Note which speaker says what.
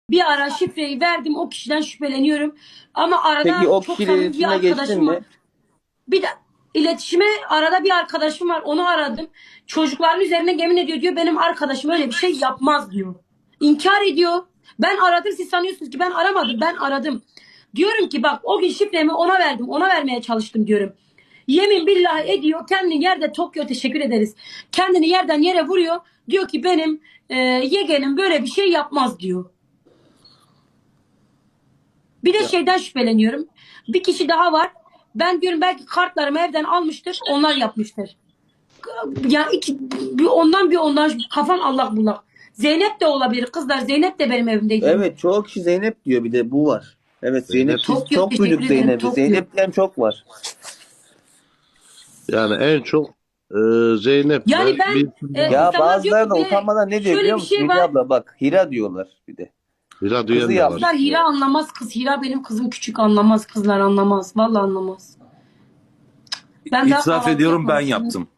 Speaker 1: Bir ara şifreyi verdim, o kişiden şüpheleniyorum. Ama arada
Speaker 2: Peki o
Speaker 1: çok
Speaker 2: kişiyle
Speaker 1: samimi bir
Speaker 2: iletişime geçtin
Speaker 1: arkadaşım var.
Speaker 2: mi?
Speaker 1: Bir de iletişime arada bir arkadaşım var, onu aradım. Çocukların üzerine yemin ediyor, diyor benim arkadaşım öyle bir şey yapmaz diyor. İnkar ediyor. Ben aradım, siz sanıyorsunuz ki ben aramadım, ben aradım. Diyorum ki bak o gün şifremi ona verdim, ona vermeye çalıştım diyorum. Yemin billahi ediyor, kendini yerde Tokyo, teşekkür ederiz. Kendini yerden yere vuruyor. Diyor ki benim yeğenim böyle bir şey yapmaz diyor. Bir de şeyden şüpheleniyorum. Bir kişi daha var. Ben diyorum belki kartlarımı evden almıştır. Onlar yapmıştır. Ya bir ondan kafam allak bullak. Zeynep de olabilir. Kızlar, Zeynep de benim evimdeydi.
Speaker 2: Evet, çoğu kişi Zeynep diyor, bir de bu var. Evet, Zeynep, biz
Speaker 1: Tokyo,
Speaker 2: çok duyduk
Speaker 1: teşekkür ederim.
Speaker 2: Zeynep'i.
Speaker 1: Tokyo.
Speaker 2: Zeynep diyen çok var.
Speaker 3: Yani en çok Zeynep'le
Speaker 1: Yani ben
Speaker 3: bir
Speaker 2: Ya
Speaker 1: insanlar diyor
Speaker 2: bazıları
Speaker 1: ki
Speaker 2: da utanmadan ne diyor
Speaker 1: şöyle
Speaker 2: biliyor
Speaker 1: bir
Speaker 2: musun
Speaker 1: şey
Speaker 2: Müge
Speaker 1: var.
Speaker 2: abla? Bak, Hira diyorlar bir de.
Speaker 3: Hira
Speaker 2: Kızı
Speaker 3: duyan da var.
Speaker 2: yapmış.
Speaker 1: Kızlar, Hira anlamaz kız. Hira benim kızım, küçük, anlamaz. Kızlar anlamaz. Vallahi anlamaz. Ben daha
Speaker 4: İtiraf
Speaker 1: kahvaltı
Speaker 4: ediyorum, ben
Speaker 1: yapmamışım.
Speaker 4: yaptım.